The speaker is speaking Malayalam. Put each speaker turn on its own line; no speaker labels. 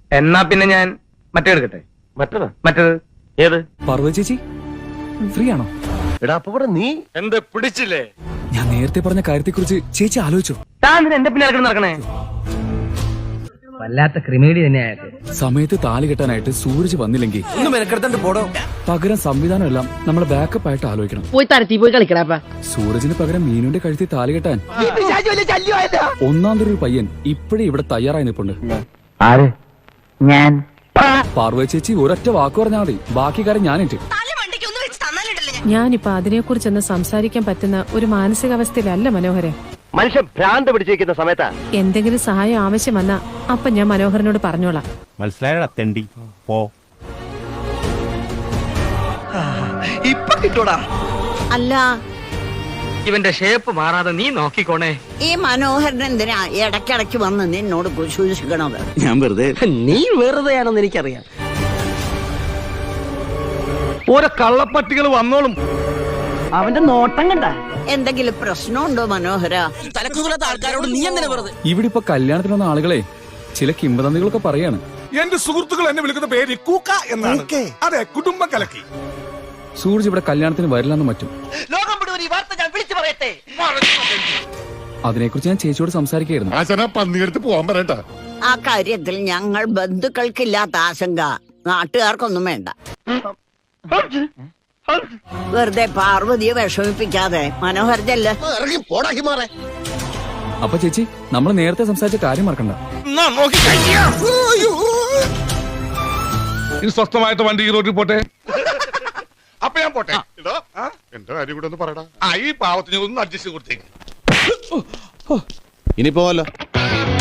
എന്നാ പിന്നെ ഞാൻ മറ്റേ എടുക്കട്ടെ. മറ്റേത്
ഏത്?
പാർവതി ചേച്ചി ഫ്രീ ആണോ?
എടാ അപ്പൊ ഇവിടെ നീ
എന്ത് പിടിച്ചില്ലേ?
ഞാൻ നേരത്തെ പറഞ്ഞ കാര്യത്തെക്കുറിച്ച് ചേച്ചി ആലോചിച്ചോ?
താൻ എന്റെ പിന്നെ നടക്കണേ? വല്ലാത്ത ക്രിമിനൽ തന്നെയായത്.
സമയത്ത് താലി കെട്ടാനായിട്ട് സൂരജ് വന്നില്ലെങ്കിൽ പകരം സംവിധാനം എല്ലാം നമ്മളെ ബാക്കപ്പ് ആയിട്ട് ആലോചിക്കണം.
പോയി തരത്തി പോയി കളിക്കടാ.
സൂരജിന് പകരം മീനുന്റെ കഴുത്തിൽ താലി കെട്ടാൻ ഒന്നാം തരം ഒരു പയ്യൻ ഇപ്പോഴേ ഇവിടെ തയ്യാറായി നിൽപ്പുണ്ട്.
ആര്? ഞാൻ.
പാർവതി ചേച്ചി ഒരൊറ്റ വാക്ക് പറഞ്ഞാൽ മതി, ബാക്കി കാര്യം ഞാനിട്ട്.
ഞാനിപ്പോ അതിനെക്കുറിച്ചൊന്ന് സംസാരിക്കാൻ പറ്റുന്ന ഒരു മാനസികാവസ്ഥയിലല്ല മനോഹരൻ.
മനുഷ്യൻ ഭ്രാന്ത് പിടിച്ചിരിക്കുന്ന സമയത്താ
എന്തെങ്കിലും സഹായം ആവശ്യം വന്നാ അപ്പൊ ഞാൻ മനോഹരനോട് പറഞ്ഞോളാം.
മനസ്സിലായടാ തെണ്ടി. പോ.
ഇപ്പൊ കിട്ടൂടാ.
അല്ല,
ഇവന്റെ ഷേപ്പ് മാറാതെ നീ നോക്കിക്കോണേ.
ഈ മനോഹരൻ എന്തിനാ ഇടയ്ക്കിടയ്ക്ക് വന്ന് നിന്നോട് സൂക്ഷിക്കണത്?
ഞാൻ വെറുതെ.
നീ വെറുതെയാണെന്ന് എനിക്കറിയാം.
ഓരോ കള്ളപ്പട്ടികൾ വന്നോളും.
അവന്റെ നോട്ടം കണ്ട.
എന്തെങ്കിലും പ്രശ്നമുണ്ടോ മനോഹര?
ഇവിടെ ഇപ്പൊ കല്യാണത്തിന് വന്ന ആളുകളെ ചില കിംവദന്തികളൊക്കെ പറയാണ്.
എന്റെ സുഹൃത്തുക്കൾ എന്നെ വിളിക്കുന്ന പേര് കൂക്ക എന്നാണ്. അതെ, കുടുംബം കലക്കി.
സൂരജ് ഇവിടെ കല്യാണത്തിന് വരില്ലെന്ന് മറ്റും. അതിനെക്കുറിച്ച് ഞാൻ ചേച്ചിയോട് സംസാരിക്കുകയായിരുന്നു.
പന്നിയെടുത്ത് പോവാൻ പറയണ്ട.
ആ കാര്യത്തിൽ ഞങ്ങൾ ബന്ധുക്കൾക്കില്ലാത്ത ആശങ്ക നാട്ടുകാർക്കൊന്നും വേണ്ട. വെറുതെ പാർവതിയെ വിഷമിപ്പിക്കാതെ മനോഹർ ചെല്ല്.
അപ്പൊ ചേച്ചി, നമ്മൾ നേരത്തെ സംസാരിച്ച കാര്യം മറക്കണ്ട.
ഇനി സ്വസ്ഥമായിട്ട് വണ്ടി ഈ റോഡിൽ പോട്ടെ. അപ്പൊ ഞാൻ പോട്ടെ. എന്റെ കാര്യം കൂടെ ഒന്ന് പറയടാ. ഈ പാവത്തിന് ഒന്ന് അഡ്ജസ്റ്റ് കൊടുത്തേക്ക്.
ഇനി പോവല്ലോ.